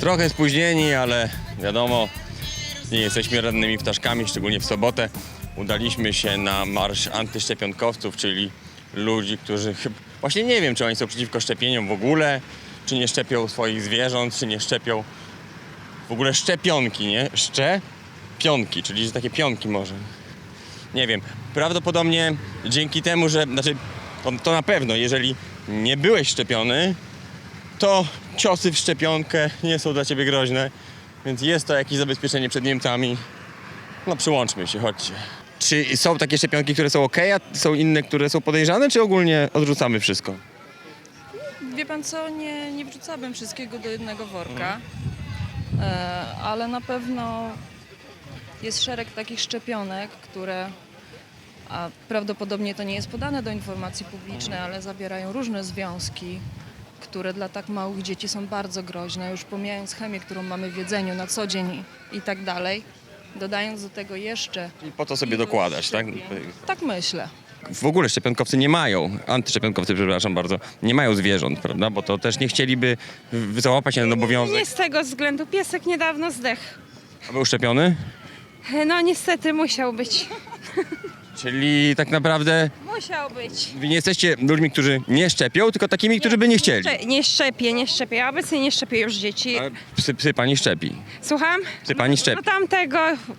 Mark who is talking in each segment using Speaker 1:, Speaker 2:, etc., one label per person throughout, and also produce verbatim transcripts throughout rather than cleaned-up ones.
Speaker 1: Trochę spóźnieni, ale wiadomo, nie jesteśmy rannymi ptaszkami, szczególnie w sobotę. Udaliśmy się na marsz antyszczepionkowców, czyli ludzi, którzy chyba... Właśnie nie wiem, czy oni są przeciwko szczepieniom w ogóle, czy nie szczepią swoich zwierząt, czy nie szczepią w ogóle szczepionki, nie? Szczepionki, czyli że takie pionki może. Nie wiem. Prawdopodobnie dzięki temu, że... Znaczy, to, to na pewno, jeżeli nie byłeś szczepiony, to ciosy w szczepionkę nie są dla ciebie groźne, więc jest to jakieś zabezpieczenie przed Niemcami. No przyłączmy się, chodźcie. Czy są takie szczepionki, które są ok, a są inne, które są podejrzane, czy ogólnie odrzucamy wszystko?
Speaker 2: Wie pan co, nie, nie wrzucałabym wszystkiego do jednego worka, e, ale na pewno jest szereg takich szczepionek, które, a prawdopodobnie to nie jest podane do informacji publicznej, ale zawierają różne związki, które dla tak małych dzieci są bardzo groźne, już pomijając chemię, którą mamy w jedzeniu na co dzień i tak dalej, dodając do tego jeszcze...
Speaker 1: I po to sobie dokładać, tak?
Speaker 2: Tak myślę.
Speaker 1: W ogóle szczepionkowcy nie mają, antyszczepionkowcy, przepraszam bardzo, nie mają zwierząt, prawda? Bo to też nie chcieliby w- załapać się na ten obowiązek.
Speaker 3: Nie z tego względu. Piesek niedawno zdechł.
Speaker 1: A był szczepiony?
Speaker 3: No niestety musiał być.
Speaker 1: Czyli tak naprawdę
Speaker 3: Musiał być.
Speaker 1: wy nie jesteście ludźmi, którzy nie szczepią, tylko takimi, którzy by nie chcieli.
Speaker 3: Sze- Nie szczepię, nie szczepię. Ja obecnie nie szczepię już dzieci.
Speaker 1: Ale psy, psy pani szczepi.
Speaker 3: Słucham?
Speaker 1: Psy pani szczepi.
Speaker 3: No tamtego,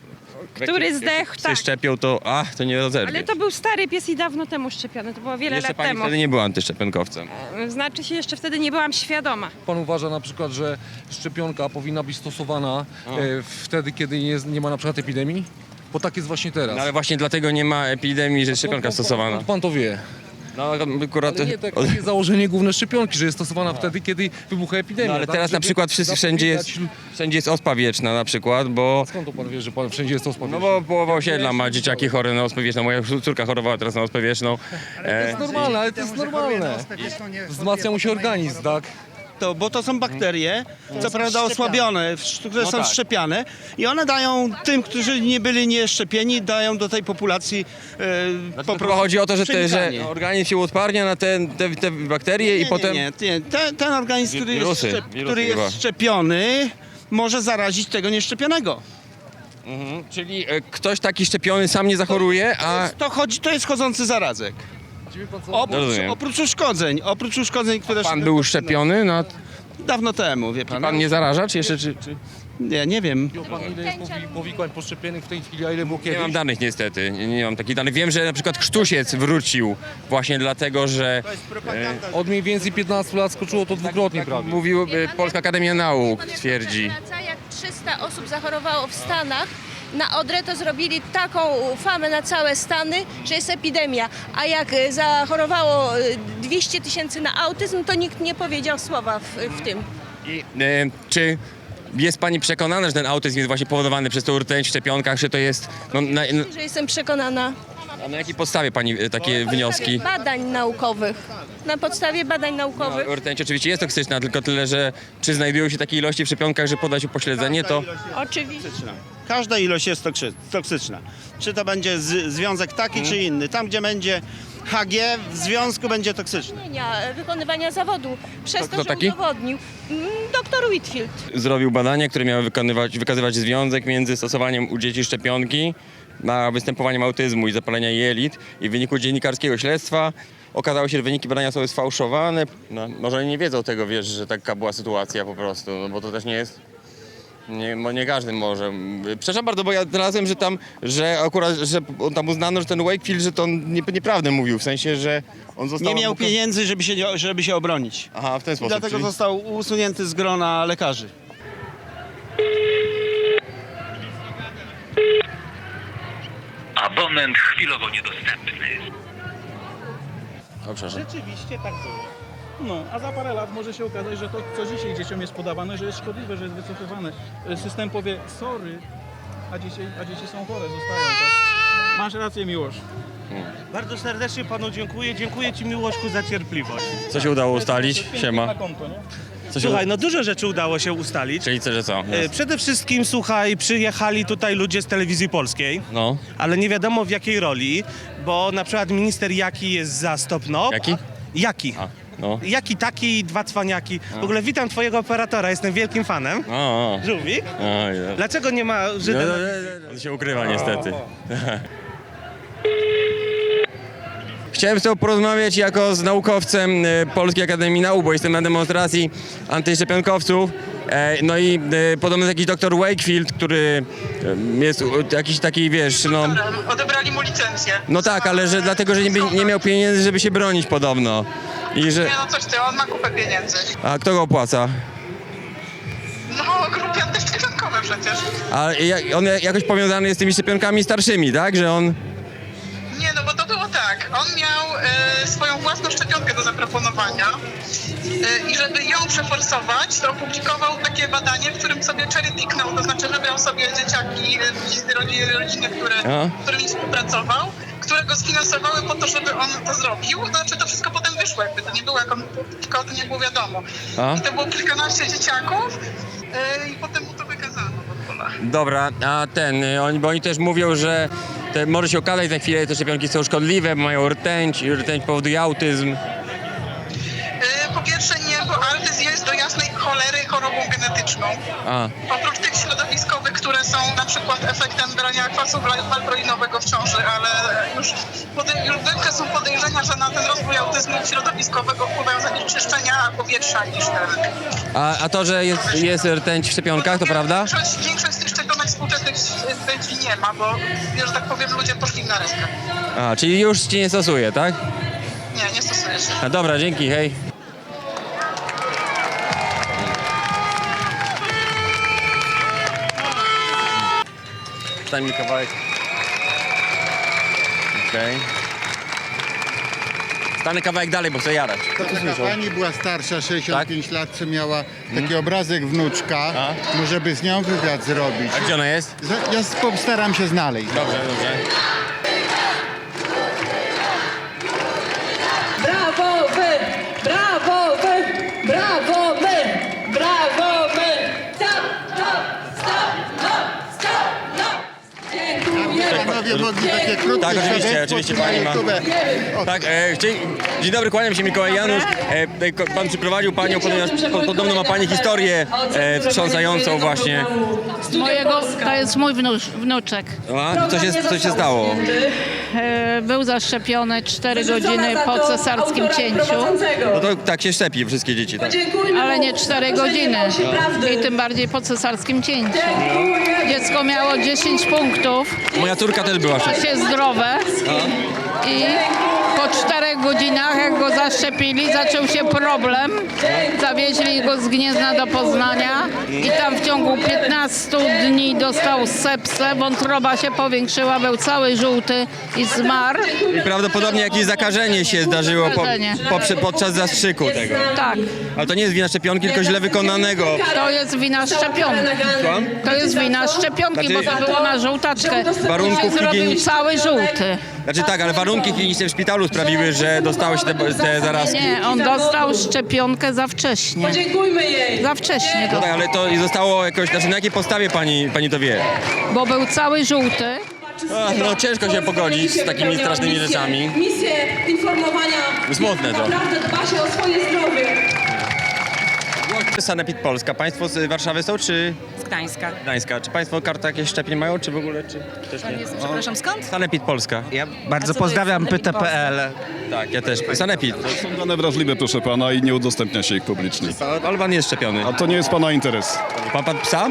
Speaker 3: który zdechł,
Speaker 1: Psy
Speaker 3: tak.
Speaker 1: szczepią, to ach, to nie rozerwie.
Speaker 3: Ale to był stary pies i dawno temu szczepiony. To było wiele
Speaker 1: Jeszcze
Speaker 3: lat
Speaker 1: pani
Speaker 3: temu.
Speaker 1: wtedy nie była antyszczepionkowcem.
Speaker 3: Znaczy się, jeszcze wtedy nie byłam świadoma.
Speaker 4: Pan uważa na przykład, że szczepionka powinna być stosowana e, wtedy, kiedy nie, jest, nie ma na przykład epidemii? Bo tak jest właśnie teraz.
Speaker 1: No ale właśnie dlatego nie ma epidemii, że jest szczepionka
Speaker 4: Pan- pan-
Speaker 1: stosowana.
Speaker 4: Pan, pan to wie.
Speaker 1: No akurat...
Speaker 4: Ale nie, tak, takie założenie główne szczepionki, że jest stosowana wtedy, kiedy wybucha epidemia.
Speaker 1: No ale
Speaker 4: tak?
Speaker 1: teraz na
Speaker 4: Żeby
Speaker 1: przykład wszyscy, wszędzie jest,
Speaker 4: zapobiegać-
Speaker 1: wszędzie jest ospa wieczna na przykład, bo...
Speaker 4: Skąd to pan wie, że pan wszędzie jest to
Speaker 1: No
Speaker 4: spowiedź?
Speaker 1: bo połowa osiedla ma dzieciaki chore na ospę wieczną. Moja córka chorowała teraz na ospę wieczną.
Speaker 4: To
Speaker 1: E,
Speaker 4: jest normalne, ale to jest normalne. Wzmacnia mu się organizm, tak?
Speaker 5: To, bo to są bakterie, co prawda osłabione, w- które
Speaker 1: No
Speaker 5: są
Speaker 1: tak.
Speaker 5: szczepiane i one dają tym, którzy nie byli nieszczepieni, dają do tej populacji e,
Speaker 1: Znaczy,
Speaker 5: po
Speaker 1: to
Speaker 5: prostu
Speaker 1: chodzi o to, że, te, że
Speaker 5: przenikanie.
Speaker 1: organizm się uodparnia na te, te, te bakterie
Speaker 5: nie,
Speaker 1: i potem...
Speaker 5: Nie, nie, nie. Ten, ten organizm, który,
Speaker 1: Wirusy,
Speaker 5: jest, szczep,
Speaker 1: wirusy
Speaker 5: który
Speaker 1: chyba.
Speaker 5: jest szczepiony, może zarazić tego nieszczepionego.
Speaker 1: Mhm. Czyli e, ktoś taki szczepiony sam nie zachoruje, a...
Speaker 5: To, chodzi, to jest chodzący zarazek.
Speaker 4: Wie pan co?
Speaker 5: Oprócz,
Speaker 1: Rozumiem.
Speaker 5: oprócz uszkodzeń, oprócz uszkodzeń, które...
Speaker 1: Pan był szczepiony, no
Speaker 5: Dawno temu, wie pan.
Speaker 1: pan nie zaraża, czy jeszcze... Czy, czy...
Speaker 5: Nie, nie wiem.
Speaker 4: Wie pan, ile jest powi- powikłań poszczepionych w tej chwili, a ile było
Speaker 1: Nie
Speaker 4: kiedyś?
Speaker 1: mam danych niestety, nie, nie mam takich danych. Wiem, że na przykład krztusiec wrócił właśnie dlatego, że
Speaker 4: Od mniej więcej piętnastu lat skoczyło to dwukrotnie prawie.
Speaker 1: mówił e, Polska Akademia Nauk, twierdzi.
Speaker 6: Wraca, jak trzysta osób zachorowało w Stanach, na Odrę to zrobili taką famę na całe Stany, że jest epidemia. A jak e, zachorowało e, dwieście tysięcy na autyzm, to nikt nie powiedział słowa w, w tym.
Speaker 1: I, e, czy jest pani przekonana, że ten autyzm jest właśnie powodowany przez tą rtęć w szczepionkach, czy to jest... No, na, na,
Speaker 6: Że jestem przekonana.
Speaker 1: a na jakiej podstawie pani e, takie wnioski?
Speaker 6: Badań naukowych. Na podstawie badań naukowych.
Speaker 1: No, rtęć oczywiście jest toksyczna, tylko tyle, że czy znajdują się takie ilości w szczepionkach, że poda się upośledzenie, to...
Speaker 6: Oczywiście.
Speaker 5: Każda ilość jest toksy- toksyczna. Czy to będzie z, związek taki, czy inny. Tam, gdzie będzie H G, w związku będzie toksyczny.
Speaker 6: e, Wykonywania zawodu. Przez
Speaker 1: To
Speaker 6: to,
Speaker 1: kto
Speaker 6: że
Speaker 1: taki?
Speaker 6: udowodnił. Mm, Doktor Whitfield.
Speaker 1: Zrobił badania, które miały wykonywać, wykazywać związek między stosowaniem u dzieci szczepionki na występowaniem autyzmu i zapalenia jelit. I w wyniku dziennikarskiego śledztwa okazało się, że wyniki badania są sfałszowane. No, może oni nie wiedzą tego, wiesz, że taka była sytuacja po prostu, no, bo to też nie jest... Nie, bo nie każdy może. Przepraszam bardzo, bo ja znalazłem, że tam, że akurat, że on tam uznano, że ten Wakefield, że to on nie, nieprawdę mówił, w sensie, że on został...
Speaker 5: Nie miał pieniędzy, żeby się, nie- żeby się obronić.
Speaker 1: Aha, w ten
Speaker 5: I
Speaker 1: sposób.
Speaker 5: dlatego
Speaker 1: czyli...
Speaker 5: został usunięty z grona lekarzy.
Speaker 7: Abonent chwilowo niedostępny.
Speaker 1: O, przepraszam.
Speaker 8: Rzeczywiście tak było. No, a za parę lat może się okazać, że to, co dzisiaj dzieciom jest podawane, że jest szkodliwe, że jest wycofywane. System powie, sorry, a dzieci, a dzieci są chore, zostają. Tak? Masz rację, Miłosz.
Speaker 9: Bardzo serdecznie panu dziękuję. Dziękuję ci, Miłoszku, za cierpliwość.
Speaker 1: Co się udało ustalić? Siema.
Speaker 8: Na konto, nie?
Speaker 1: Co się...
Speaker 9: Słuchaj, no dużo rzeczy udało się ustalić.
Speaker 1: Czyli co, że co?
Speaker 9: E, Przede wszystkim, słuchaj, przyjechali tutaj ludzie z telewizji polskiej,
Speaker 1: No.
Speaker 9: ale nie wiadomo w jakiej roli, bo na przykład minister Jaki jest za Stop N O P.
Speaker 1: Jaki?
Speaker 9: Jaki.
Speaker 1: A. No.
Speaker 9: Jaki taki, dwa cwaniaki. W ogóle witam twojego operatora, jestem wielkim fanem.
Speaker 1: O, o.
Speaker 9: Żółwik?
Speaker 1: O, ja.
Speaker 9: Dlaczego nie ma Żyda? na-
Speaker 1: On się ukrywa niestety. Chciałem z tobą porozmawiać jako z naukowcem e, Polskiej Akademii Nauk, bo jestem na demonstracji antyszczepionkowców. E, no i e, podobno jakiś doktor Wakefield, który e, jest u- jakiś taki, wiesz, no...
Speaker 10: Odebrali mu licencję.
Speaker 1: No tak, ale że dlatego, że nie, by- nie miał pieniędzy, żeby się bronić podobno. I że...
Speaker 10: Nie no coś ty, on ma kupę pieniędzy.
Speaker 1: A kto go opłaca?
Speaker 10: No grupy antyszczepionkowe przecież.
Speaker 1: A ja- on jakoś powiązany jest z tymi szczepionkami starszymi, tak? Że on...
Speaker 10: Nie no bo to było tak, on miał e, swoją własną szczepionkę do zaproponowania e, i żeby ją przeforsować, to opublikował takie badanie, w którym sobie cherry picknął, to znaczy wybrał sobie dzieciaki e, z rodziny, rodziny które,
Speaker 1: A?
Speaker 10: z którymi współpracował, które go sfinansowały po to, żeby on to zrobił. Znaczy to wszystko potem wyszło, jakby to nie było, jak on publikował, to nie było wiadomo.
Speaker 1: A?
Speaker 10: I to było kilkanaście dzieciaków e, i potem mu to wykazano w ogóle.
Speaker 1: Dobra, a ten, y, oni, bo oni też mówią, że te, może się okazać za chwilę, że te szczepionki są szkodliwe, bo mają rtęć i rtęć powoduje autyzm.
Speaker 10: E, Po pierwsze nie, bo autyzm jest do jasnej cholery chorobą genetyczną.
Speaker 1: A,
Speaker 10: Oprócz tych środowiskowych, które są na przykład efektem brania kwasu wal- walproinowego w ciąży, ale już, pode- już są podejrzenia, że na ten rozwój autyzmu środowiskowego wpływają zanieczyszczenia powietrza niż ten.
Speaker 1: a, a to, że jest, jest rtęć w szczepionkach, to prawda?
Speaker 10: Większość, większość z tych szczepionek współczesnych rtęci nie ma, bo, że tak powiem, ludzie poszli na rękę.
Speaker 1: A, czyli już ci nie stosuje, tak?
Speaker 10: Nie, nie stosuje się.
Speaker 1: A dobra, dzięki, hej. Stań mi kawałek. Okej. Stanę kawałek dalej, bo chcę jarać. Co tu
Speaker 11: Taka
Speaker 1: słyszą?
Speaker 11: pani była starsza, sześćdziesiąt pięć lat, co miała taki obrazek wnuczka.
Speaker 1: A?
Speaker 11: Może by z nią wywiad zrobić.
Speaker 1: A gdzie ona jest?
Speaker 11: Za- Ja postaram się znaleźć.
Speaker 1: Dobrze, dobrze.
Speaker 2: Brawo wy! Brawo wy! Brawo wy! Brawo wy! Stop! Stop! Stop! No! Stop! No! Dziękuję!
Speaker 11: Panowie mogli takie krótkie
Speaker 1: Tak, oczywiście,
Speaker 11: świadectwo
Speaker 1: oczywiście
Speaker 11: na
Speaker 1: pani ma.
Speaker 11: YouTube. O,
Speaker 1: Tak, e, dzień, dzień dobry, kłaniam się, Mikołaj Janusz. E, e, ko- pan przyprowadził panią, ponieważ po, podobno ma pani historię e, wstrząsającą właśnie.
Speaker 12: Mojego, to jest mój wnucz, wnuczek.
Speaker 1: A, co, się, co się stało?
Speaker 12: E, Był zaszczepiony cztery godziny po cesarskim cięciu,
Speaker 1: No to tak się szczepi wszystkie dzieci, tak?
Speaker 12: ale nie cztery godziny. I tym bardziej po cesarskim cięciu. Dziecko miało dziesięć punktów,
Speaker 1: Moja córka też była szczepiona.
Speaker 12: się zdrowe i po czterech godzinach, jak go zaszczepili, zaczął się problem. Zawieźli go z Gniezna do Poznania i tam w ciągu piętnastu dni dostał sepsę, wątroba się powiększyła, był cały żółty i zmarł.
Speaker 1: I prawdopodobnie jakieś zakażenie się zdarzyło po,
Speaker 12: Zakażenie.
Speaker 1: po, podczas zastrzyku tego.
Speaker 12: Tak,
Speaker 1: Ale to nie jest wina szczepionki, tylko źle wykonanego.
Speaker 12: to jest wina szczepionki.
Speaker 1: Słucham?
Speaker 12: To jest wina szczepionki, bo
Speaker 1: Znaczy-
Speaker 12: to było na żółtaczkę.
Speaker 1: Warunków
Speaker 12: Się zrobił
Speaker 1: higienicznych.
Speaker 12: cały żółty.
Speaker 1: Znaczy tak, ale warunki kliniczne w szpitalu sprawiły, że dostało się te, te zarazki.
Speaker 12: Nie, on dostał szczepionkę za wcześnie.
Speaker 2: Podziękujmy jej!
Speaker 12: Za wcześnie,
Speaker 1: No
Speaker 12: to,
Speaker 1: tak, ale to i zostało jakoś, znaczy na jakiej podstawie pani, pani to wie?
Speaker 12: bo był cały żółty.
Speaker 1: A, no ciężko się pogodzić z takimi strasznymi rzeczami.
Speaker 2: Misję informowania.
Speaker 1: Smutne to.
Speaker 2: Naprawdę dba się o swoje zdrowie.
Speaker 1: Sanepid Polska. Państwo z Warszawy są, czy
Speaker 3: Z Gdańska.
Speaker 1: Gdańska? Czy państwo kartę jakieś szczepień mają, czy w ogóle, czy też nie?
Speaker 3: Przepraszam, skąd?
Speaker 1: Sanepid Polska.
Speaker 9: Ja bardzo pozdrawiam P T P L.
Speaker 1: Tak, ja też. Sanepid.
Speaker 13: Są dane wrażliwe, proszę pana, i nie udostępnia się ich publicznie.
Speaker 1: Ale pan jest szczepiony.
Speaker 13: A to nie jest pana interes.
Speaker 1: Pan, pan psa?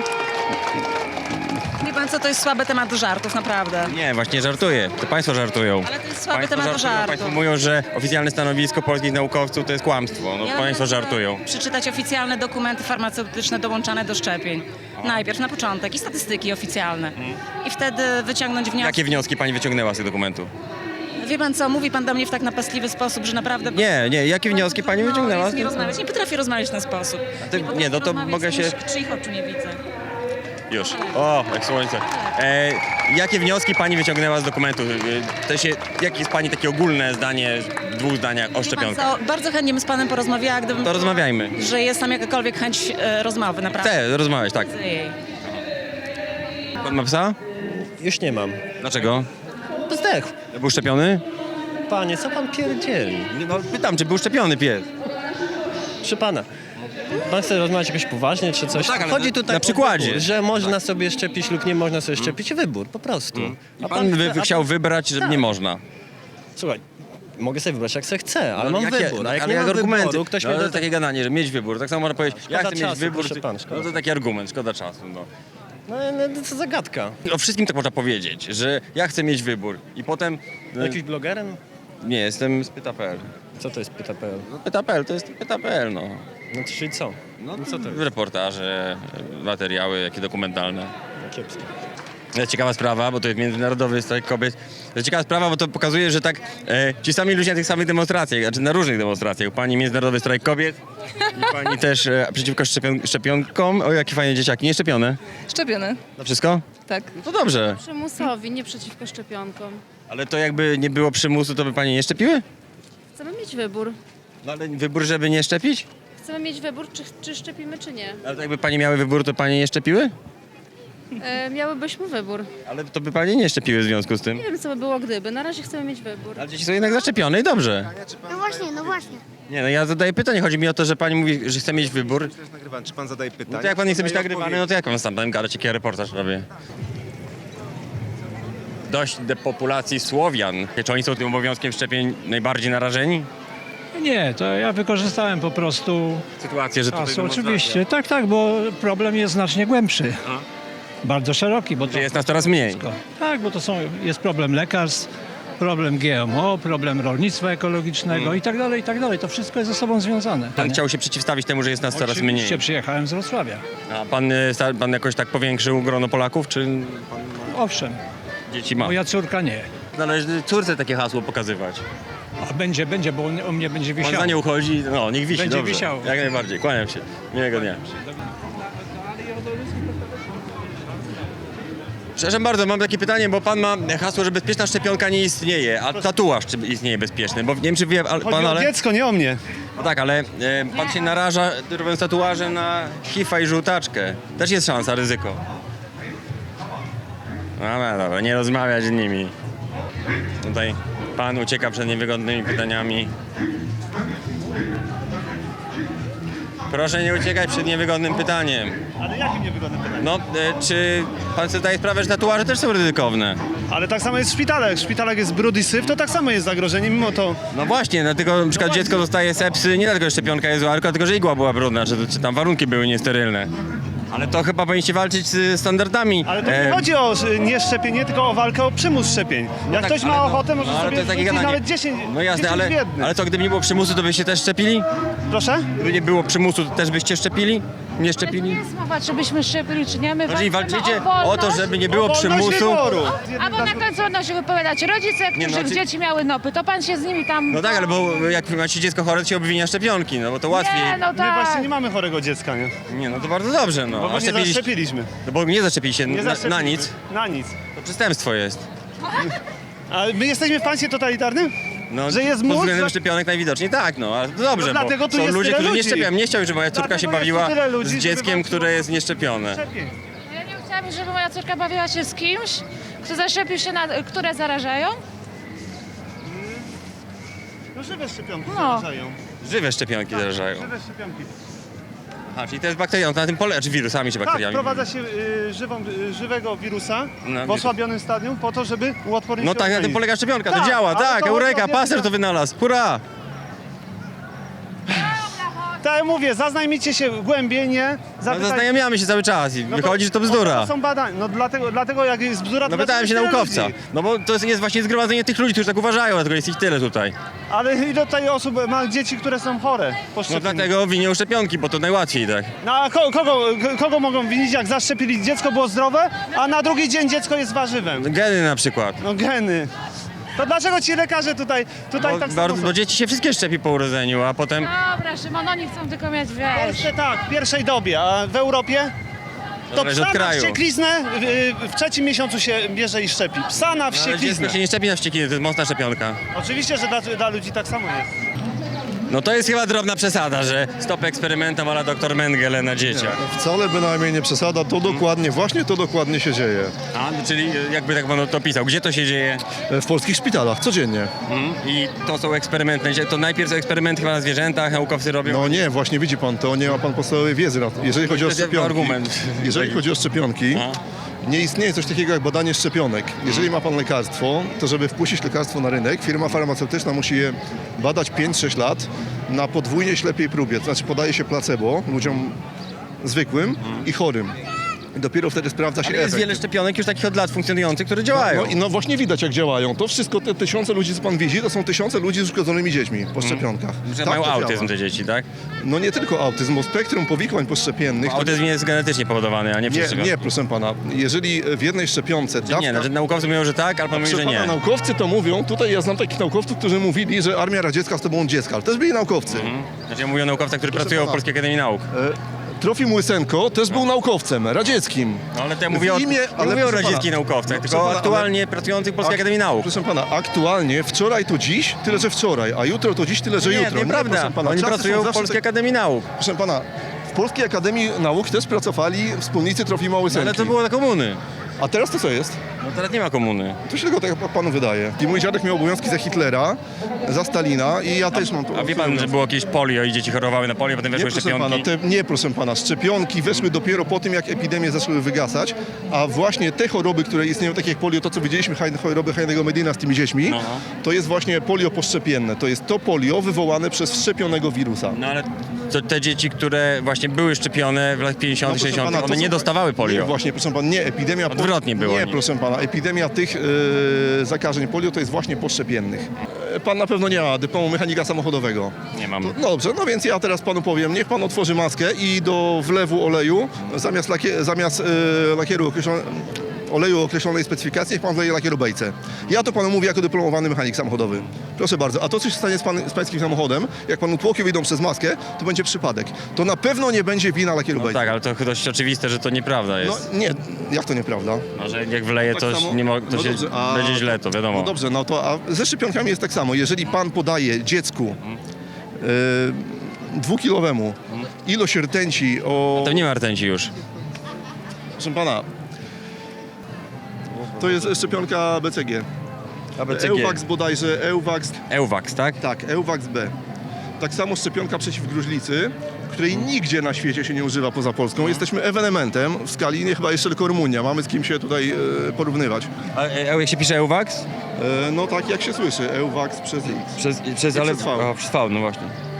Speaker 3: Wie pan co, to jest słaby temat do żartów, naprawdę.
Speaker 1: Nie, właśnie żartuję. To państwo żartują.
Speaker 3: Ale to jest słaby
Speaker 1: Państwo
Speaker 3: temat do
Speaker 1: żartują.
Speaker 3: żartów.
Speaker 1: Państwo mówią, że oficjalne stanowisko polskich naukowców to jest kłamstwo. No,
Speaker 3: Ja
Speaker 1: państwo
Speaker 3: bym
Speaker 1: żartują.
Speaker 3: Przeczytać oficjalne dokumenty farmaceutyczne dołączane do szczepień. Najpierw, na początek i statystyki oficjalne. I wtedy wyciągnąć wnioski.
Speaker 1: Jakie wnioski pani wyciągnęła z tych dokumentów?
Speaker 3: Wie pan co, mówi pan do mnie w tak napastliwy sposób, że naprawdę...
Speaker 1: Nie, nie, jakie wnioski pani
Speaker 3: No,
Speaker 1: wyciągnęła?
Speaker 3: jest nie rozmawiać. Nie potrafię rozmawiać w ten sposób.
Speaker 1: ty-
Speaker 3: potrafię
Speaker 1: nie, no to
Speaker 3: rozmawiać
Speaker 1: mogę
Speaker 3: z
Speaker 1: się-
Speaker 3: kimś, czyich oczu nie widzę.
Speaker 1: Już. O, jak słońce. E, jakie wnioski pani wyciągnęła z dokumentów? E, to się, jakie jest pani takie ogólne zdanie w dwóch zdaniach o
Speaker 3: Wie pan
Speaker 1: szczepionkach?
Speaker 3: co, bardzo chętnie bym z panem porozmawiała, gdybym...
Speaker 1: To rozmawiajmy.
Speaker 3: Że jest tam jakakolwiek chęć e, rozmowy, naprawdę.
Speaker 1: Chcę rozmawiać, tak.
Speaker 3: Chcę jej.
Speaker 1: Pan ma psa?
Speaker 9: Już nie mam.
Speaker 1: Dlaczego?
Speaker 9: Zdechł.
Speaker 1: Był szczepiony?
Speaker 9: Panie, co pan pierdzieli?
Speaker 1: Nie, no, pytam, czy był szczepiony pies?
Speaker 14: Proszę pana, pan chce rozmawiać jakoś poważnie czy coś?
Speaker 1: No tak, ale
Speaker 14: Chodzi
Speaker 1: na-
Speaker 14: tutaj
Speaker 1: na
Speaker 14: o
Speaker 1: przykładzie.
Speaker 14: wybór, że można sobie szczepić lub nie można sobie szczepić. Wybór, po prostu.
Speaker 1: A pan wy, wy chciał wybrać, że nie można.
Speaker 14: Słuchaj, mogę sobie wybrać jak sobie chcę, ale
Speaker 1: No,
Speaker 14: mam
Speaker 1: jakie-
Speaker 14: wybór. A jak
Speaker 1: ale
Speaker 14: nie mam
Speaker 1: argumenty.
Speaker 14: wyboru, ktoś
Speaker 1: no,
Speaker 14: mnie
Speaker 1: to
Speaker 14: do
Speaker 1: jest takie gadanie, że mieć wybór. Tak samo można powiedzieć, ja
Speaker 14: Szkoda
Speaker 1: chcę
Speaker 14: czasu,
Speaker 1: mieć wybór.
Speaker 14: proszę
Speaker 1: ty-
Speaker 14: pana, szkoda
Speaker 1: no to taki argument, szkoda czasu. No.
Speaker 14: No, no to zagadka.
Speaker 1: O wszystkim tak można powiedzieć, że ja chcę mieć wybór. I potem... no,
Speaker 14: Jakiś blogerem?
Speaker 1: Nie, jestem z pyta kropka p l.
Speaker 14: Co to jest pyta kropka p l?
Speaker 1: No, pyta kropka p l to jest pyta kropka p l, no.
Speaker 14: No to czyli co?
Speaker 1: No,
Speaker 14: co to jest?
Speaker 1: Reportaże, materiały, jakie dokumentalne.
Speaker 14: No, kiepskie.
Speaker 1: To ciekawa sprawa, bo to jest Międzynarodowy Strajk Kobiet. To ciekawa sprawa, bo to pokazuje, że tak e, ci sami ludzie na tych samych demonstracjach, znaczy na różnych demonstracjach. Pani Międzynarodowy Strajk Kobiet i pani też e, przeciwko szczepion szczepionkom. O, jakie fajne dzieciaki, nie szczepione?
Speaker 2: Szczepiony.
Speaker 1: Na wszystko?
Speaker 2: Tak.
Speaker 1: No to dobrze.
Speaker 15: Przymusowi, nie przeciwko szczepionkom.
Speaker 1: Ale to jakby nie było przymusu, to by pani nie szczepiły?
Speaker 15: Chcemy mieć wybór.
Speaker 1: No ale wybór, żeby nie szczepić?
Speaker 15: Chcemy mieć wybór, czy, czy szczepimy, czy nie.
Speaker 1: Ale to jakby pani miały wybór, to pani nie szczepiły?
Speaker 15: E, miałybyśmy wybór.
Speaker 1: Ale to by pani nie szczepiły w związku z tym.
Speaker 15: Nie wiem, co by było gdyby. Na razie chcemy mieć wybór.
Speaker 1: Ale dzieci są jednak zaszczepione i dobrze.
Speaker 16: No właśnie, no właśnie.
Speaker 1: Nie, no ja zadaję pytanie. Chodzi mi o to, że pani mówi, że chce mieć wybór.
Speaker 17: Czy pan zadaje pytanie?
Speaker 1: No to jak pan nie chce być nagrywany, no to jak pan sam tam gadać, jaki ja reportaż robię? Dość depopulacji Słowian. Czy oni są tym obowiązkiem szczepień najbardziej narażeni?
Speaker 18: Nie, to ja wykorzystałem po prostu
Speaker 1: Sytuację, że tutaj
Speaker 18: czasu.
Speaker 1: demonstracja.
Speaker 18: Oczywiście, tak, tak, bo problem jest znacznie głębszy. Bardzo szeroki, bo to...
Speaker 1: Jest nas coraz mniej.
Speaker 18: Tak, bo to są, jest problem lekarstw, problem G M O, problem rolnictwa ekologicznego
Speaker 1: Mm.
Speaker 18: i tak dalej, i tak dalej. To wszystko jest ze sobą związane.
Speaker 1: Pan chciał się przeciwstawić temu, że jest nas coraz mniej.
Speaker 18: Oczywiście przyjechałem z Wrocławia.
Speaker 1: A pan, y, sta- pan jakoś tak powiększył grono Polaków, czy
Speaker 18: Owszem,
Speaker 1: dzieci ma?
Speaker 18: moja córka nie.
Speaker 1: Należy córce takie hasło pokazywać.
Speaker 18: A będzie, będzie, bo on- u mnie będzie
Speaker 1: Pan
Speaker 18: wisiał.
Speaker 1: za nie uchodzi, no niech wisi,
Speaker 18: Będzie
Speaker 1: dobrze.
Speaker 18: wisiał.
Speaker 1: Jak najbardziej, kłaniam się. Miłego dnia. Przepraszam bardzo, mam takie pytanie, bo pan ma hasło, że bezpieczna szczepionka nie istnieje, a tatuaż czy istnieje bezpieczny, bo nie wiem czy wie ale,
Speaker 17: Chodzi
Speaker 1: pan,
Speaker 17: o
Speaker 1: ale...
Speaker 17: dziecko, nie o mnie.
Speaker 1: No tak, ale e, pan się naraża, robiąc tatuaże na hifa i żółtaczkę. Też jest szansa, ryzyko. Dobra, dobra, nie rozmawiać z nimi. Tutaj pan ucieka przed niewygodnymi pytaniami. Proszę nie uciekać przed niewygodnym pytaniem.
Speaker 17: Ale jakim niewygodnym pytaniem?
Speaker 1: No, e, czy pan sobie zdaje sprawę, że tatuaże też są ryzykowne?
Speaker 17: Ale tak samo jest w szpitalach. Jak w szpitalach jest brud i syf, to tak samo jest zagrożenie, mimo to...
Speaker 1: No właśnie, dlatego na przykład dziecko dostaje sepsy nie dlatego, że szczepionka jest zła, tylko dlatego, że igła była brudna, czy, czy tam warunki były niesterylne. Ale to chyba powinniście walczyć z standardami.
Speaker 17: Ale to nie
Speaker 1: e,
Speaker 17: chodzi o y, nie szczepienie, tylko o walkę o przymus szczepień. Jak
Speaker 1: tak,
Speaker 17: ktoś ma
Speaker 1: ale no-
Speaker 17: ochotę, może
Speaker 1: no, ale to
Speaker 17: sobie
Speaker 1: jest takie
Speaker 17: wrzucić
Speaker 1: gadanie.
Speaker 17: nawet dziesięć,
Speaker 1: No jasne,
Speaker 17: dziesięć
Speaker 1: ale,
Speaker 17: w jednym.
Speaker 1: ale to gdyby nie było przymusu, to byście też szczepili?
Speaker 17: Proszę?
Speaker 1: Gdyby nie było przymusu, to też byście szczepili? Nie szczepili?
Speaker 12: jest mowa, czy byśmy szczepili, czy nie. My
Speaker 1: Jeżeli
Speaker 12: walczymy
Speaker 1: walczycie
Speaker 12: o,
Speaker 1: o to, żeby nie było
Speaker 17: O wolność
Speaker 1: przymusu...
Speaker 17: wyboru.
Speaker 12: Albo na końcu będą się wypowiadać rodzice,
Speaker 1: Nie,
Speaker 12: których
Speaker 1: no, ty-
Speaker 12: dzieci miały nopy, to pan się z nimi tam...
Speaker 1: No tak, ale bo jak macie dziecko chore, to się obwinia szczepionki, no bo to łatwiej.
Speaker 12: Nie, no
Speaker 17: My
Speaker 12: tak.
Speaker 17: właśnie nie mamy chorego dziecka, nie?
Speaker 1: Nie, no to bardzo dobrze, no.
Speaker 17: Bo
Speaker 1: A
Speaker 17: my nie
Speaker 1: szczepiliście-
Speaker 17: zaszczepiliśmy.
Speaker 1: No bo nie zaszczepiliście
Speaker 17: Nie
Speaker 1: na, na
Speaker 17: zaszczepiliśmy.
Speaker 1: nic.
Speaker 17: Na nic.
Speaker 1: To przestępstwo jest.
Speaker 17: A my jesteśmy w państwie totalitarnym?
Speaker 1: No,
Speaker 17: Że jest
Speaker 1: pod
Speaker 17: mus?
Speaker 1: względem
Speaker 17: Że-
Speaker 1: szczepionek najwidoczniej tak, no, ale to dobrze,
Speaker 17: No dlatego
Speaker 1: bo
Speaker 17: tu
Speaker 1: są
Speaker 17: jest
Speaker 1: ludzie,
Speaker 17: tyle
Speaker 1: którzy nie
Speaker 17: ludzi.
Speaker 1: szczepią. Nie chciałbym, żeby moja córka się
Speaker 17: Dlatego jest
Speaker 1: bawiła
Speaker 17: tu tyle ludzi,
Speaker 1: z
Speaker 17: żeby
Speaker 1: dzieckiem,
Speaker 17: walczyło-
Speaker 1: które jest nieszczepione.
Speaker 17: Szczepień.
Speaker 12: Ja nie chciałabym, żeby moja córka bawiła się z kimś, kto zaszczepił się na... które zarażają.
Speaker 17: No żywe szczepionki
Speaker 12: No.
Speaker 17: zarażają.
Speaker 1: Żywe szczepionki zarażają.
Speaker 17: Żywe szczepionki.
Speaker 1: A, czyli to jest bakterią, to na tym polega, czy wirusami, czy
Speaker 17: Tak,
Speaker 1: bakteriami?
Speaker 17: wprowadza się y, żywą, y, żywego wirusa
Speaker 1: No,
Speaker 17: w osłabionym stadium po to, żeby uodpornić
Speaker 1: No
Speaker 17: się
Speaker 1: tak, na tym
Speaker 17: organizm.
Speaker 1: polega szczepionka, to
Speaker 17: Tak,
Speaker 1: działa,
Speaker 17: ale
Speaker 1: tak,
Speaker 17: to
Speaker 1: Eureka,
Speaker 17: chodzi o
Speaker 1: Pasteur
Speaker 17: wiedzę-
Speaker 1: to wynalazł, hurra!
Speaker 17: Tak jak mówię, zaznajmijcie się głębiej, nie?
Speaker 1: No
Speaker 17: Zapytaj-
Speaker 1: zaznajamiamy się cały czas i
Speaker 17: No to-
Speaker 1: wychodzi, że to
Speaker 17: To
Speaker 1: bzdura.
Speaker 17: są badania, no dlatego, dlatego jak jest bzdura, to
Speaker 1: No pytałem się
Speaker 17: dlaczego jest
Speaker 1: naukowca,
Speaker 17: tyle ludzi?
Speaker 1: no bo to jest- jest właśnie zgromadzenie tych ludzi, którzy tak uważają, dlatego jest ich tyle tutaj.
Speaker 17: Ale ile tutaj osób ma dzieci, które są chore po
Speaker 1: No
Speaker 17: szczepieniu?
Speaker 1: dlatego winią szczepionki, bo to najłatwiej, tak.
Speaker 17: No a ko- kogo, ko- kogo mogą winić, jak zaszczepili dziecko było zdrowe, a na drugi dzień dziecko jest warzywem?
Speaker 1: Geny na przykład.
Speaker 17: No geny. To dlaczego ci lekarze tutaj, tutaj
Speaker 1: Bo,
Speaker 17: tak samo
Speaker 1: bardzo,
Speaker 17: są?
Speaker 1: bo dzieci się wszystkie szczepi po urodzeniu, a potem...
Speaker 12: Dobra, Szymon, oni chcą tylko mieć,
Speaker 17: W
Speaker 12: wiesz...
Speaker 17: Polsce tak, w pierwszej dobie, a w Europie? To
Speaker 1: Zależy
Speaker 17: psa
Speaker 1: od
Speaker 17: na
Speaker 1: kraju.
Speaker 17: wściekliznę w, w trzecim miesiącu się bierze i szczepi. Psa na
Speaker 1: No, ale
Speaker 17: wściekliznę.
Speaker 1: dziecko się nie szczepi na wściekliny, to jest mocna szczepionka.
Speaker 17: Oczywiście, że dla, dla ludzi tak samo jest.
Speaker 1: No to jest chyba drobna przesada, że stop eksperymentom ala doktor Mengele na dzieciach.
Speaker 16: Wcale bynajmniej nie przesada, to dokładnie, właśnie to dokładnie się dzieje.
Speaker 1: A, czyli jakby tak pan to pisał, gdzie to się dzieje?
Speaker 16: W polskich szpitalach, codziennie.
Speaker 1: Mhm. I to są eksperymenty, to najpierw są eksperymenty chyba na zwierzętach, naukowcy robią...
Speaker 16: No nie, właśnie widzi pan, to nie ma pan podstawowej wiedzy. na to. Jeżeli chodzi o
Speaker 1: To jest
Speaker 16: szczepionki,
Speaker 1: argument.
Speaker 16: jeżeli chodzi o szczepionki, nie istnieje coś takiego jak badanie szczepionek. Jeżeli ma pan lekarstwo, to żeby wpuścić lekarstwo na rynek, firma farmaceutyczna musi je badać pięć sześć lat na podwójnie ślepej próbie. To znaczy podaje się placebo ludziom zwykłym i chorym. I dopiero wtedy sprawdza się
Speaker 1: Ale jest
Speaker 16: efekt.
Speaker 1: wiele szczepionek już takich od lat funkcjonujących, które działają.
Speaker 16: No, i no właśnie widać jak działają. To wszystko, te tysiące ludzi, co pan widzi, to są tysiące ludzi z uszkodzonymi dziećmi po szczepionkach.
Speaker 1: Że
Speaker 16: Tak
Speaker 1: mają
Speaker 16: to
Speaker 1: autyzm
Speaker 16: działa.
Speaker 1: te dzieci, tak?
Speaker 16: No nie tylko autyzm, bo spektrum powikłań poszczepiennych...
Speaker 1: Bo autyzm jest genetycznie powodowany, a nie przez
Speaker 16: Nie,
Speaker 1: szczepionkę.
Speaker 16: nie, proszę pana. Jeżeli w jednej szczepionce...
Speaker 1: Dawka... Nie, znaczy naukowcy mówią, że tak, ale pan mówi,
Speaker 16: Proszę
Speaker 1: że nie.
Speaker 16: pana, naukowcy to mówią, tutaj ja znam takich naukowców, którzy mówili, że Armia Radziecka z tobą dziecka, ale też byli naukowcy.
Speaker 1: Mhm. Znaczy ja mówię o naukowcach, którzy
Speaker 16: Proszę
Speaker 1: pracują
Speaker 16: pana.
Speaker 1: w Polskiej Akademii Nauk.
Speaker 16: E, Trofim Łysenko też był naukowcem radzieckim.
Speaker 1: No ale to ja mówię o,
Speaker 16: W imię,
Speaker 1: nie
Speaker 16: ale
Speaker 1: mówię o
Speaker 16: proszę
Speaker 1: radzieckich
Speaker 16: pana,
Speaker 1: naukowcach,
Speaker 16: no,
Speaker 1: tylko
Speaker 16: proszę pana,
Speaker 1: aktualnie
Speaker 16: ale-
Speaker 1: pracujących w Polskiej
Speaker 16: Ak-
Speaker 1: Akademii Nauk.
Speaker 16: Proszę pana, aktualnie wczoraj to dziś, tyle że wczoraj, a jutro to dziś, tyle że
Speaker 1: nie,
Speaker 16: jutro.
Speaker 1: nieprawda.
Speaker 16: proszę pana,
Speaker 1: Oni
Speaker 16: czasy
Speaker 1: pracują
Speaker 16: są
Speaker 1: w
Speaker 16: zawsze
Speaker 1: Polskiej
Speaker 16: tak-
Speaker 1: Akademii Nauk.
Speaker 16: Proszę pana, w Polskiej Akademii Nauk też pracowali wspólnicy Trofima
Speaker 1: No,
Speaker 16: Łysenki.
Speaker 1: ale to było za komuny.
Speaker 16: A teraz to co jest?
Speaker 1: No teraz nie ma komuny.
Speaker 16: To się tylko tak jak panu wydaje. I mój dziadek miał obowiązki za Hitlera, za Stalina i ja też mam...
Speaker 1: A wie pan, że było jakieś polio i dzieci chorowały na polio, potem
Speaker 16: Nie
Speaker 1: weszły
Speaker 16: proszę,
Speaker 1: szczepionki?
Speaker 16: pana, te, nie, proszę pana, szczepionki weszły dopiero po tym, jak epidemie zaczęły wygasać, a właśnie te choroby, które istnieją, takie jak polio, to co widzieliśmy, haj- choroby Heinego Medina z tymi dziećmi,
Speaker 1: No.
Speaker 16: to jest właśnie polio poszczepienne. To jest to polio wywołane przez wszczepionego wirusa.
Speaker 1: No ale to te dzieci, które właśnie były szczepione w latach pięćdziesiątych,
Speaker 16: No, proszę
Speaker 1: sześćdziesiątych,
Speaker 16: pana, to
Speaker 1: one
Speaker 16: są-
Speaker 1: nie dostawały polio.
Speaker 16: Nie, właśnie, proszę pana, nie, epidemia...
Speaker 1: Odwrotnie było,
Speaker 16: Nie,
Speaker 1: nie.
Speaker 16: proszę pana, epidemia tych e, zakażeń polio to jest właśnie poszczepiennych. E, Pan na pewno nie ma dyplomu mechanika samochodowego.
Speaker 1: Nie mam.
Speaker 16: To, no dobrze, no więc ja teraz panu powiem, niech pan otworzy maskę i do wlewu oleju, zamiast, lakie, zamiast e, lakieru określone, oleju określonej specyfikacji, niech pan wleje lakieru bejce. Ja to panu mówię jako dyplomowany mechanik samochodowy. Proszę bardzo, a to co się stanie z, pan, z pańskim samochodem, jak panu tłoki wyjdą przez maskę, to będzie przypadek. To na pewno nie będzie wina lakieru
Speaker 1: No
Speaker 16: bejce.
Speaker 1: tak, ale to chyba dość oczywiste, że to nieprawda
Speaker 16: No
Speaker 1: jest.
Speaker 16: nie, jak to nieprawda?
Speaker 1: No, że jak wleje
Speaker 16: Tak
Speaker 1: coś,
Speaker 16: samo-
Speaker 1: nie mo- to
Speaker 16: no
Speaker 1: się
Speaker 16: dobrze, a-
Speaker 1: będzie źle, to wiadomo.
Speaker 16: No dobrze, no to a ze szczepionkami jest tak samo. Jeżeli pan podaje dziecku y, dwukilowemu ilość rtęci o...
Speaker 1: To nie ma rtęci już.
Speaker 16: Proszę pana, to jest szczepionka B C G.
Speaker 1: A B C G.
Speaker 16: Euwax bodajże, Euwax...
Speaker 1: Euwax, tak?
Speaker 16: Tak, Euwax B. Tak samo szczepionka przeciw gruźlicy, której nigdzie na świecie się nie używa poza Polską. Jesteśmy ewenementem w skali, nie chyba jeszcze tylko Rumunia. Mamy z kim się tutaj e, porównywać.
Speaker 1: A e, jak się pisze Euwax?
Speaker 16: E, no tak jak się słyszy, Euwax przez X.
Speaker 1: Przez, przez,
Speaker 16: I
Speaker 1: ale,
Speaker 16: przez V.
Speaker 1: O, przez V, no właśnie.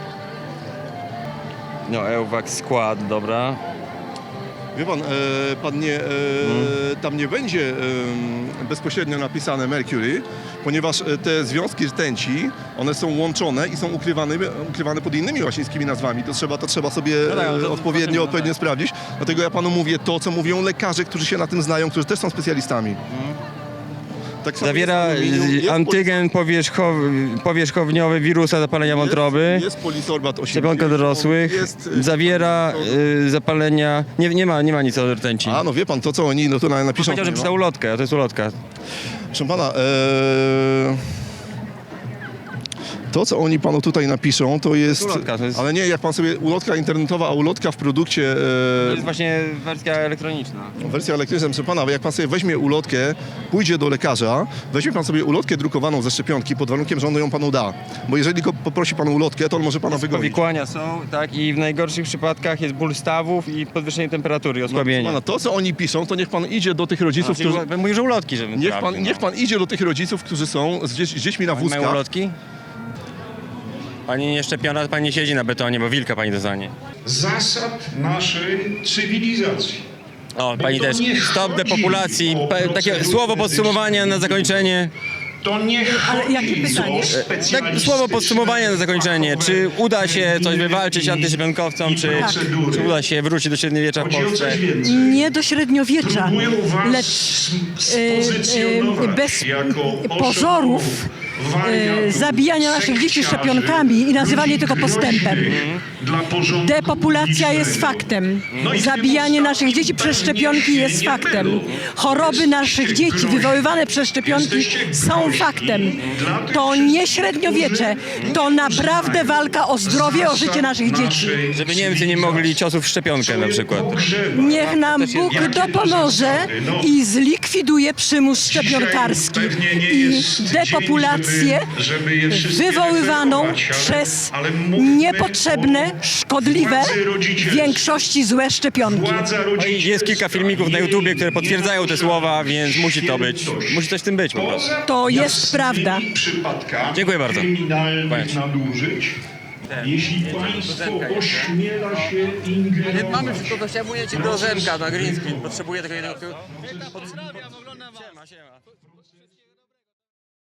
Speaker 1: No Euwax skład, dobra.
Speaker 16: Wie pan, e, pan nie, e, tam nie będzie e, bezpośrednio napisane Mercury, ponieważ e, te związki rtęci, one są łączone i są ukrywane, ukrywane pod innymi łacińskimi nazwami. To trzeba, to trzeba sobie
Speaker 1: No tak, ale to-
Speaker 16: e, odpowiednio, odpowiednio sprawdzić. Dlatego ja panu mówię to, co mówią lekarze, którzy się na tym znają, którzy też są specjalistami. Tak samo
Speaker 1: Zawiera
Speaker 16: jest aluminium, jest
Speaker 1: antygen powierzchow, powierzchowniowy wirusa zapalenia wątroby.
Speaker 16: Jest, jest polisorbat
Speaker 1: Szczepionka
Speaker 16: osiemdziesiąt,
Speaker 1: dorosłych.
Speaker 16: jest, e,
Speaker 1: Zawiera y, zapalenia. Nie, nie, ma, nie ma nic o rtęci.
Speaker 16: A no wie pan, to co oni no to na- napiszą.
Speaker 1: Powiedział, że
Speaker 16: no.
Speaker 1: pisał ulotkę, a to jest ulotka.
Speaker 16: Proszę pana, e, to co oni panu tutaj napiszą, to jest...
Speaker 1: ulotka, to jest-
Speaker 16: Ale nie, jak pan sobie ulotka internetowa, a ulotka w produkcie...
Speaker 1: To
Speaker 16: E,
Speaker 1: jest właśnie wersja elektroniczna.
Speaker 16: wersja elektryczna, proszę pana, jak pan sobie weźmie ulotkę, pójdzie do lekarza, weźmie pan sobie ulotkę drukowaną ze szczepionki pod warunkiem, że on ją panu da. Bo jeżeli go poprosi pan o ulotkę, to on może pana wygonić.
Speaker 1: Powikłania są, tak, i w najgorszych przypadkach jest ból stawów i podwyższenie temperatury,
Speaker 16: No,
Speaker 1: osłabienie.
Speaker 16: proszę pana, to co oni piszą, to niech pan idzie do tych rodziców,
Speaker 1: Znaczy,
Speaker 16: którzy...
Speaker 1: Mówię, że ulotki, żeby
Speaker 16: Niech
Speaker 1: sprawdził,
Speaker 16: pan,
Speaker 1: no.
Speaker 16: niech pan idzie do tych rodziców, którzy są z, dzie- z dziećmi na
Speaker 1: Oni mają
Speaker 16: wózkach.
Speaker 1: ulotki? Pani nie szczepiona, pani nie siedzi na betonie, bo wilka pani dostanie.
Speaker 19: Zasad naszej cywilizacji.
Speaker 1: O, pani
Speaker 19: to
Speaker 1: też.
Speaker 19: nie
Speaker 1: Stop
Speaker 19: chodzi
Speaker 1: depopulacji.
Speaker 19: o
Speaker 1: Pa- Takie
Speaker 19: procedury
Speaker 1: słowo podsumowania na
Speaker 19: medyczne.
Speaker 1: zakończenie.
Speaker 19: To nie chodzi o
Speaker 1: Tak, słowo podsumowania na zakończenie. Czy uda się coś wywalczyć antyszczepionkowcom, czy, czy uda się wrócić do średniowiecza w Polsce?
Speaker 20: Nie do średniowiecza, lecz e, e, bez pozorów e, zabijania naszych dzieci szczepionkami i nazywanie tego postępem.
Speaker 19: dla porządku
Speaker 20: Depopulacja jest faktem. Zabijanie naszych dzieci przez szczepionki jest faktem. Choroby naszych dzieci wywoływane przez szczepionki są faktem. To nie średniowiecze. To naprawdę walka o zdrowie, o życie naszych dzieci.
Speaker 1: Żeby Niemcy nie mogli ciosów w szczepionkę na przykład.
Speaker 20: Niech nam Bóg dopomoże i zlikwiduje przymus szczepionkarski i depopulację wywoływaną przez niepotrzebne, szkodliwe, w większości złe szczepionki.
Speaker 1: No i jest kilka filmików na YouTubie, które potwierdzają te słowa, więc musi to być, musi coś w tym być po prostu.
Speaker 20: To jest prawda.
Speaker 1: Dziękuję bardzo.
Speaker 19: kryminalnych nadużyć. Jeśli państwo ośmiela się ingerować...
Speaker 1: Mamy wszystko, to chciałem ci do Rzemka na green screen. Potrzebuję tego jednego... Pozdrawiam, oglądam was. Siema, siema.